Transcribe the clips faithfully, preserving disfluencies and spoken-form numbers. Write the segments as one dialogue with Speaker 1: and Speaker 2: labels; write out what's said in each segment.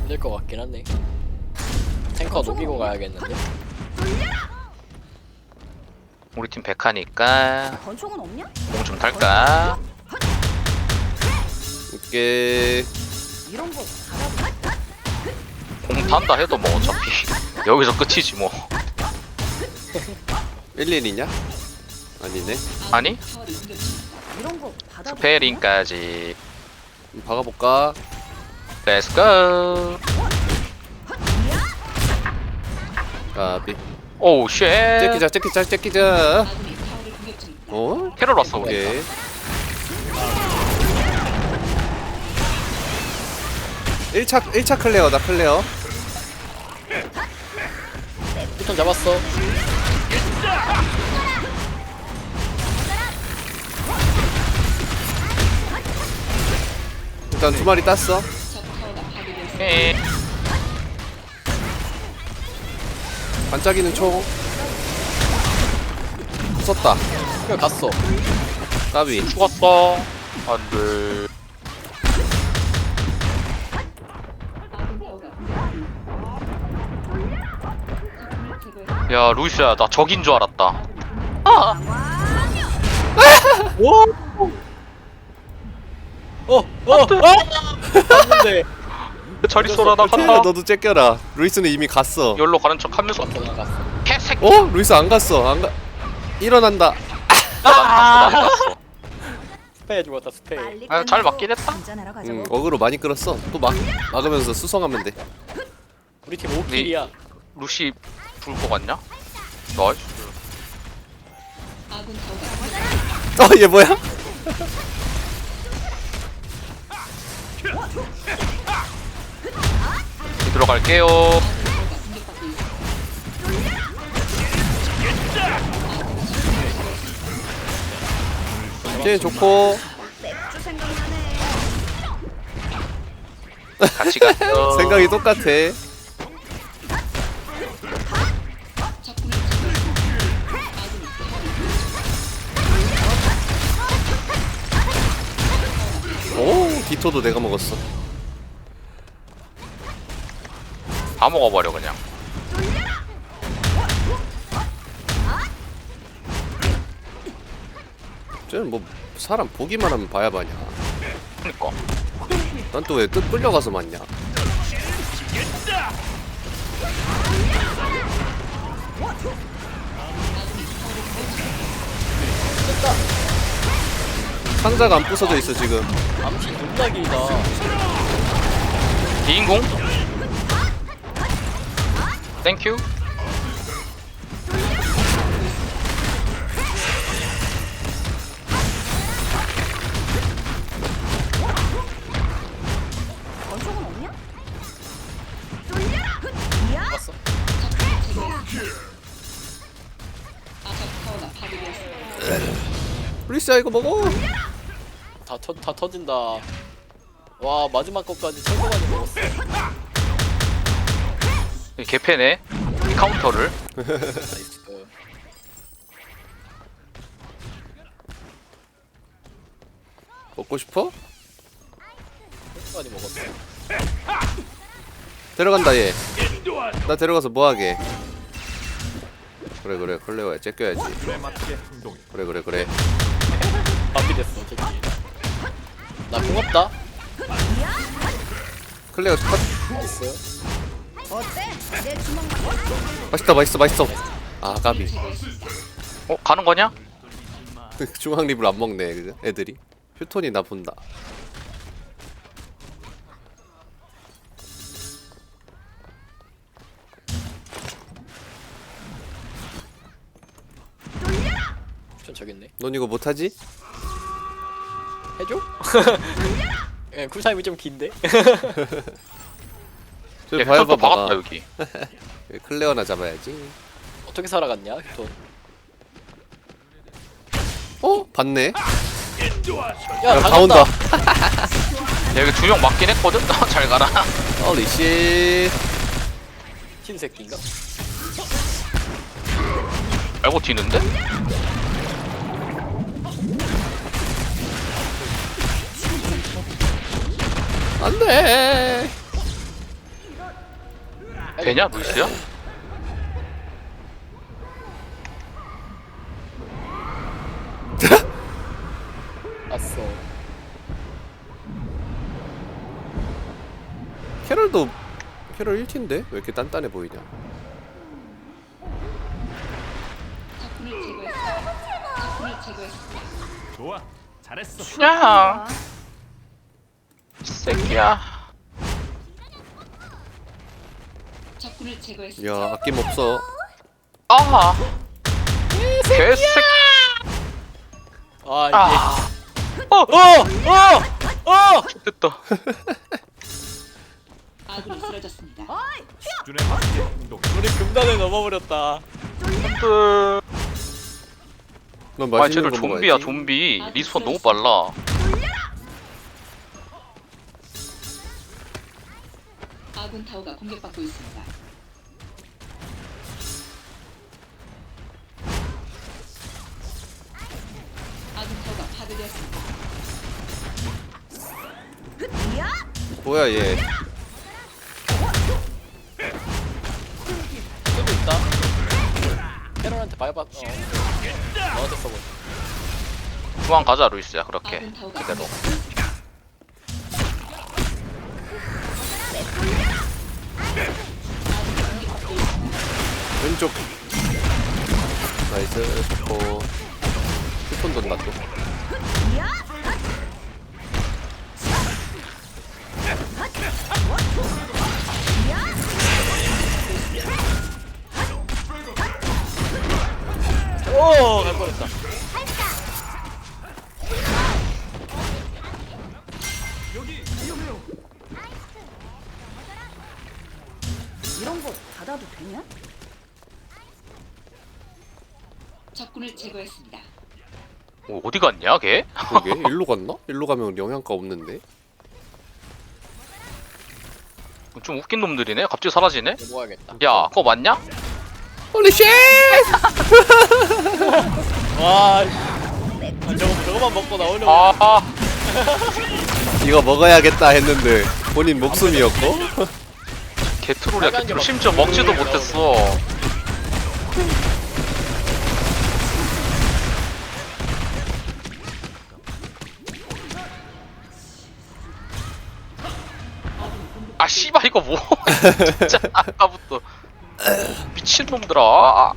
Speaker 1: 힘들 것 같긴 한데. 탱커 녹이고 가야겠는데.
Speaker 2: 우리 팀 백하니까
Speaker 3: 권총은 없냐?
Speaker 2: 공 좀 탈까?
Speaker 4: 이게
Speaker 3: 이런 거 잘하고.
Speaker 2: 공 탄다 해도 뭐 어차피 여기서 끝이지 뭐.
Speaker 4: 일일이냐? 아니네.
Speaker 2: 아니?
Speaker 3: 이런 거 받아.
Speaker 2: 스페링까지.
Speaker 4: 한번 박아볼까?
Speaker 2: Let's go.
Speaker 4: 까비.
Speaker 2: 오우 쉣.
Speaker 4: 째끼자 째끼자 째끼자. 어?
Speaker 2: 캐롤 왔어 우리.
Speaker 4: 오케이. 일 차 일 차 클레어다 클레어.
Speaker 1: 피톤 잡았어.
Speaker 4: 일단 두 마리 땄어.
Speaker 2: 에.
Speaker 4: 반짝이는 총. 썼다.
Speaker 1: 그래 갔어.
Speaker 4: 까비.
Speaker 2: 죽었어. 안돼. 야 루시야 나 적인 줄 알았다.
Speaker 1: 오. 어, 어, 어! 갔는데.
Speaker 2: 잘 있어라 나
Speaker 4: 태야
Speaker 2: 간다.
Speaker 4: 너도 째껴라. 루이스는 이미 갔어.
Speaker 2: 열로 가는 척 하면서
Speaker 1: 갔어, 나 갔어.
Speaker 2: 개새끼.
Speaker 4: 어? 루이스 안 갔어. 안 가. 일어난다.
Speaker 1: 스페 죽었다, 스페.
Speaker 2: 아, 잘 맞긴 했다.
Speaker 3: 한잔하러 가자고.
Speaker 4: 응, 어그로 많이 끌었어. 또 막 막으면서 수성하면 돼.
Speaker 1: 우리 팀 오 킬이야.
Speaker 2: 루시 죽을 것 같냐? 나이스.
Speaker 4: 어, 얘 뭐야?
Speaker 2: 들어갈게요.
Speaker 4: 쟤 좋고
Speaker 3: 맥주 생각나네.
Speaker 2: 같이 갔어.
Speaker 4: 생각이 똑같아. 오, 디토도 내가 먹었어.
Speaker 2: 다 먹어버려 그냥.
Speaker 4: 쟤는 뭐 사람 보기만 하면 봐야 마냐.
Speaker 2: 그니까.
Speaker 4: 난 또 왜 끝 끌려가서 맞냐. 상자가 안 부서져 있어 지금.
Speaker 1: 암시 존나 길다.
Speaker 2: 비인공? 땡큐.
Speaker 3: 권총은 없냐?
Speaker 1: 갔어.
Speaker 4: 루이스야 이거 먹어.
Speaker 1: 다, 터, 다 터진다. 와, 마지막 것까지 최고 많이 먹었어.
Speaker 2: 이 개패네. 이 카운터를.
Speaker 1: 나이스.
Speaker 4: 먹고 싶어?
Speaker 1: 최고 많이 먹었어.
Speaker 4: 데려간다 얘. 나 데려가서 뭐하게. 그래 그래 컬레오야 째껴야지. 그래 그래 그래.
Speaker 1: 밥이 됐어, 저기. 나 고맙다.
Speaker 4: 클레오 컷.
Speaker 1: 나이스.
Speaker 3: 어때? 내 주먹
Speaker 4: 맛있다 맛있어 맛있어. 아 까비.
Speaker 2: 어 가는 거냐?
Speaker 4: 중앙 립을 안 먹네 그죠? 애들이. 휴톤이 나 본다.
Speaker 1: 전 저기 있네.
Speaker 4: 넌 이거 못하지?
Speaker 1: 해줘? 예, 쿨타임이 좀 긴데?
Speaker 4: 저
Speaker 2: 얘
Speaker 4: 봐야
Speaker 2: 또
Speaker 4: 봐봐.
Speaker 2: 박았다 여기.
Speaker 4: 클레어나 잡아야지.
Speaker 1: 어떻게 살아갔냐, 또.
Speaker 4: 어? 봤네?
Speaker 1: 야,
Speaker 4: 야, 다
Speaker 1: 당한다.
Speaker 4: 온다.
Speaker 2: 야 여기 두 명 맞긴 했거든. 잘 가라.
Speaker 4: 홀리 씨.
Speaker 1: 흰새끼인가?
Speaker 2: 알고 튀는데?
Speaker 4: 안돼.
Speaker 2: 되냐 루이스야?
Speaker 1: 왔어.
Speaker 4: 캐럴도 캐럴 일 티인데 왜 이렇게 단단해 보이냐?
Speaker 5: 적군을 제거했습니다. 적군을 제거했습니다.
Speaker 6: 좋아, 잘했어.
Speaker 2: 야, 이 새끼야.
Speaker 5: 적군을 제거했습니다.
Speaker 4: 야 아낌없어.
Speaker 2: 아, 개새끼.
Speaker 1: 아 이게.
Speaker 2: 아,
Speaker 1: 어! 어! 어!
Speaker 2: 됐다.
Speaker 5: 아군이 쓰러졌습니다.
Speaker 6: 수준에 맞게 행동.
Speaker 1: 우리 금단을 넘어버렸다.
Speaker 2: 안돼.
Speaker 4: 넌
Speaker 2: 아,
Speaker 4: 맛있는
Speaker 2: 쟤들
Speaker 4: 거
Speaker 2: 좀비야
Speaker 4: 먹어야지.
Speaker 2: 좀비. 리스폰 너무 빨라.
Speaker 5: 아군 타워가 공격받고 있습니다. 아군 타워가 파괴되었습니다.
Speaker 4: 뭐야 얘?
Speaker 1: 수도 있다. 캐럴한테 밟았. 어. 너한테 써보자.
Speaker 2: 중앙 가자 루이스야 그렇게.
Speaker 5: 아군 타워가
Speaker 2: 그대로.
Speaker 5: 공격받고 있습니다.
Speaker 4: 왼쪽. 나이스. 좋고. 휴톤 돈다 또.
Speaker 1: 오! 갈 뻔했다.
Speaker 3: 이런 거 받아도 되냐?
Speaker 5: 적군을 제거했습니다.
Speaker 2: 어, 어디 갔냐 걔?
Speaker 4: 그게 일로 갔나? 일로 가면 영양가 없는데.
Speaker 2: 좀 웃긴 놈들이네. 갑자기 사라지네.
Speaker 1: 넘어가야겠다.
Speaker 2: 야, 그거 맞냐?
Speaker 4: 홀리 쉣!
Speaker 1: 와. 씨. 아, 저거 저거만 먹고 나오려고.
Speaker 2: 아,
Speaker 4: 이거 먹어야겠다 했는데 본인 목숨이었고.
Speaker 2: 개트롤이야
Speaker 1: 빨간 게
Speaker 2: 개트롤.
Speaker 1: 막
Speaker 2: 심지어 먹지도
Speaker 1: 보이려고.
Speaker 2: 못했어. 아 씨발 이거 뭐 진짜 아까부터 미친놈들아.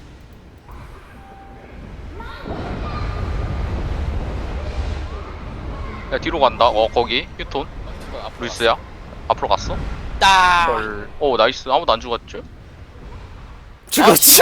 Speaker 2: 야 뒤로 간다. 어 거기 휴톤 루이스야 앞으로 갔어?
Speaker 1: 따.
Speaker 2: 헐. 오 나이스. 아무도 안 죽었죠?
Speaker 4: 죽었죠?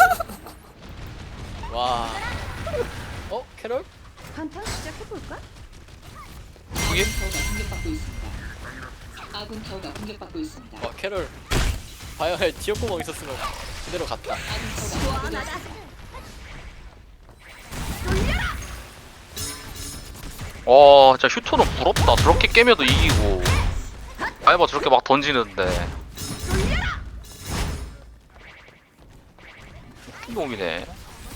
Speaker 1: 와. 어? 캐럴?
Speaker 3: 한판 시작해볼까?
Speaker 2: 그게?
Speaker 5: 타워가 공격받고 있습니다. 아군 타워가 공격받고 있습니다.
Speaker 1: 와 캐럴. 바이오에 지역구멍 있었으면 그대로 갔다.
Speaker 5: 아군 타워가 파괴되었습니다.
Speaker 2: 와 진짜 휴톤은 부럽다. 저렇게 깨면도 이기고 아이바 저렇게 막 던지는데 웃긴 놈이네.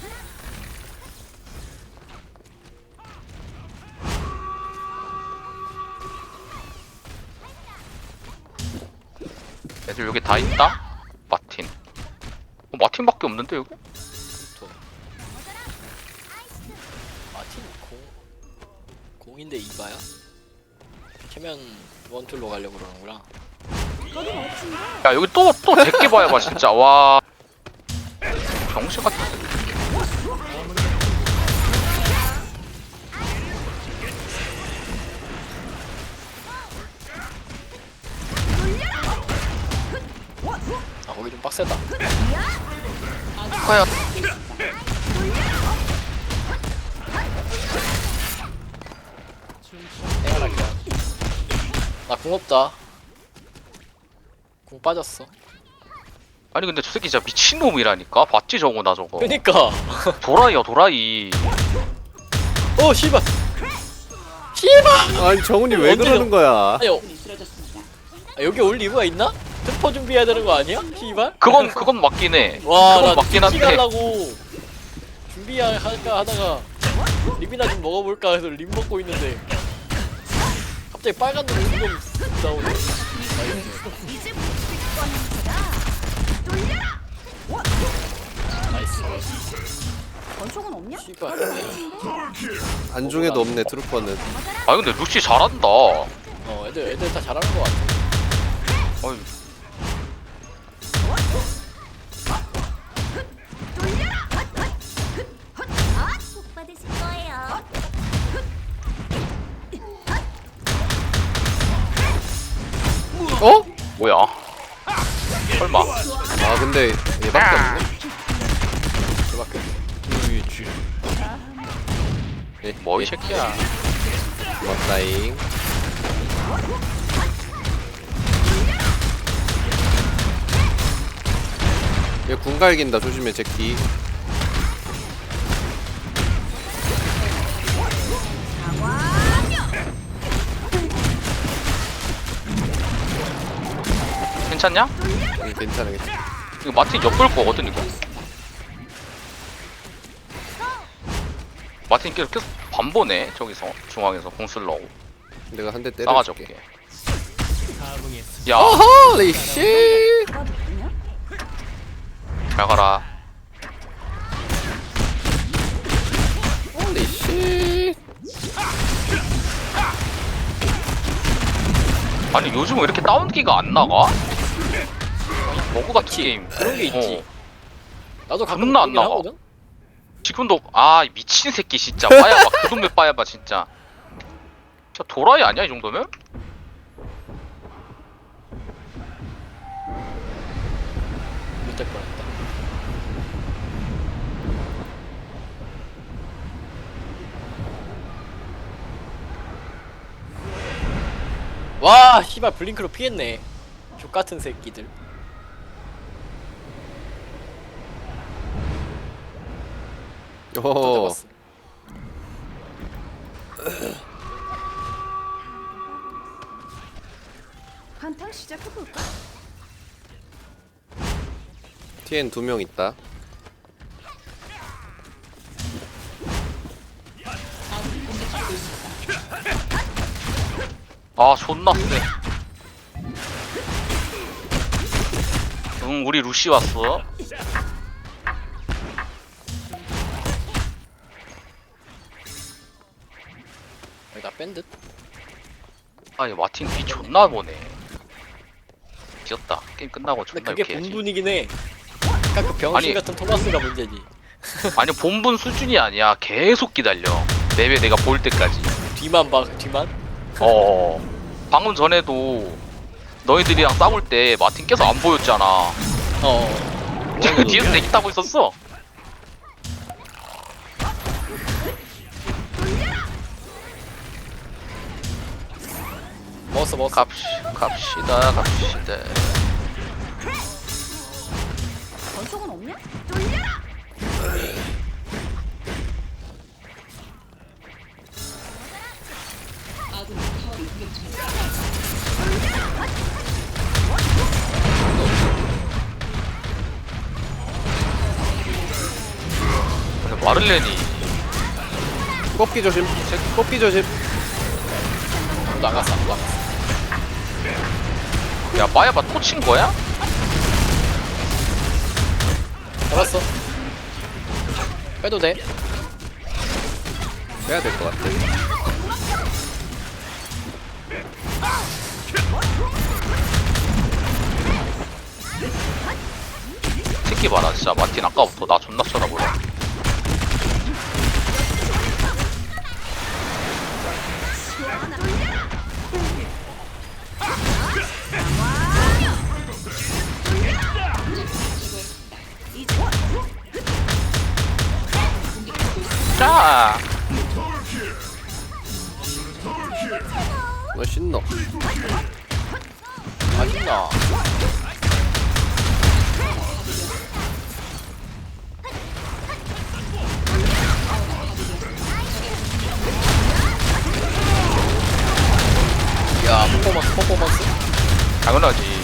Speaker 2: 애들 여기 다 있다? 마틴. 어, 마틴밖에 없는데 여기?
Speaker 1: 돈. 마틴 공 공인데 이바야? 캐면 원툴로 가려고 그러는구나.
Speaker 2: 야 여기 또 또 제게 봐야 봐 진짜. 와 병신 같은 새끼.
Speaker 1: 아 거기 좀 빡세다.
Speaker 2: 과연
Speaker 1: 생활할게. 나궁 없다. 궁 빠졌어.
Speaker 2: 아니 근데 저 새끼 진짜 미친놈이라니까. 봤지 저거 나 저거.
Speaker 1: 그니까.
Speaker 2: 도라이야 도라이.
Speaker 1: 어 씨발. 씨발.
Speaker 4: 아니 정훈이 왜
Speaker 1: 언제
Speaker 4: 그러는 거야?
Speaker 1: 아니 어,
Speaker 5: 아군이 쓰러졌습니다.
Speaker 1: 아, 여기 올 이유가 있나? 특퍼 준비해야 되는 거 아니야? 씨발.
Speaker 2: 그건 그건 맞긴 해.
Speaker 1: 와,
Speaker 2: 그건
Speaker 1: 나
Speaker 2: 맞긴
Speaker 1: 김치
Speaker 2: 한데.
Speaker 1: 가려고 준비할까 하다가 립이나 좀 먹어볼까 해서 립 먹고 있는데 갑자기 빨간 눈이 지금 나오네. 나이스.
Speaker 3: 권총은 없냐?
Speaker 1: 씨발.
Speaker 4: 안중에도 없네 트루퍼는.
Speaker 2: 아 근데 루시 잘한다.
Speaker 1: 어 애들 애들 다 잘하는 거 같아.
Speaker 2: 어이,
Speaker 3: 복 받으실 거예요.
Speaker 4: 어?
Speaker 2: 뭐야? 설마?
Speaker 4: 아 근데 얘밖에 없네.
Speaker 1: 그밖에.
Speaker 2: 뭐 이 새끼야?
Speaker 4: 맞다잉. 얘 궁갈긴다 조심해 제키.
Speaker 2: 괜찮냐?
Speaker 4: 응, 괜찮아 괜찮아.
Speaker 2: 이거 마틴 엿볼 거거든 이거. 마틴 계속 계속 반보네 저기서 중앙에서 공 쓸러고
Speaker 4: 내가 한 대
Speaker 2: 싸가지
Speaker 4: 때려줄게.
Speaker 2: 없게. 야,
Speaker 4: 홀리 씨.
Speaker 3: 받아도 되냐?
Speaker 2: 잘 가라.
Speaker 4: 홀리 씨.
Speaker 2: 아니 요즘 왜 이렇게 다운기가 안 나가? 버그 같은
Speaker 1: 있지.
Speaker 2: 게임.
Speaker 1: 그런 게 있지.
Speaker 2: 어.
Speaker 1: 나도 가끔
Speaker 2: 존나 안
Speaker 1: 그러긴
Speaker 2: 나가.
Speaker 1: 하거든.
Speaker 2: 지금도 아 미친 새끼 진짜 빠야봐 그 동네 빠야봐 진짜. 저 도라이 아니야 이 정도면?
Speaker 1: 못될 뻔했다. 와, 씨발 블링크로 피했네. 족 같은 새끼들. 또
Speaker 4: 어.
Speaker 1: 잡았어.
Speaker 3: 한탕 시작해볼까?
Speaker 4: 티엔 두 명 있다.
Speaker 2: 아 존나 세. 응 우리 루시 왔어.
Speaker 1: 여기다 뺀 듯?
Speaker 2: 아니 마틴 비 존나 보네. 귀엽다. 게임 끝나고
Speaker 1: 근데
Speaker 2: 존나
Speaker 1: 그게
Speaker 2: 이렇게 해야지.
Speaker 1: 본분이긴 해. 아까 그 병신
Speaker 2: 아니.
Speaker 1: 같은 토마스가 문제지.
Speaker 2: 아니 본분 수준이 아니야. 계속 기다려. 맵에 내가 볼 때까지.
Speaker 1: 뒤만 봐, 뒤만.
Speaker 2: 어. 방금 전에도 너희들이랑 싸울 때 마틴 계속 안 보였잖아.
Speaker 1: 어.
Speaker 2: 뒤에서 대기 타고 있었어.
Speaker 1: 먹었어, 먹었어.
Speaker 2: 갑시, 갑시다, 갑시다.
Speaker 3: 권총은 없냐?
Speaker 5: 아군 타워를 공격 중입니다.
Speaker 2: 근데 마를렌이
Speaker 4: 꺾기 조심. 제 꺾기 조심.
Speaker 1: 나갔어, 안 나갔어.
Speaker 2: 야 마야바 또 친 거야?
Speaker 1: 잡았어. 빼도 돼.
Speaker 4: 빼야 될 것 같아.
Speaker 2: 새끼 봐라 진짜 마틴 아까부터 나 존나 쳐다보네. 자,
Speaker 4: 너 신너.
Speaker 1: 맛있나? 야, 퍼포먼스, 퍼포먼스.
Speaker 2: 당연하지.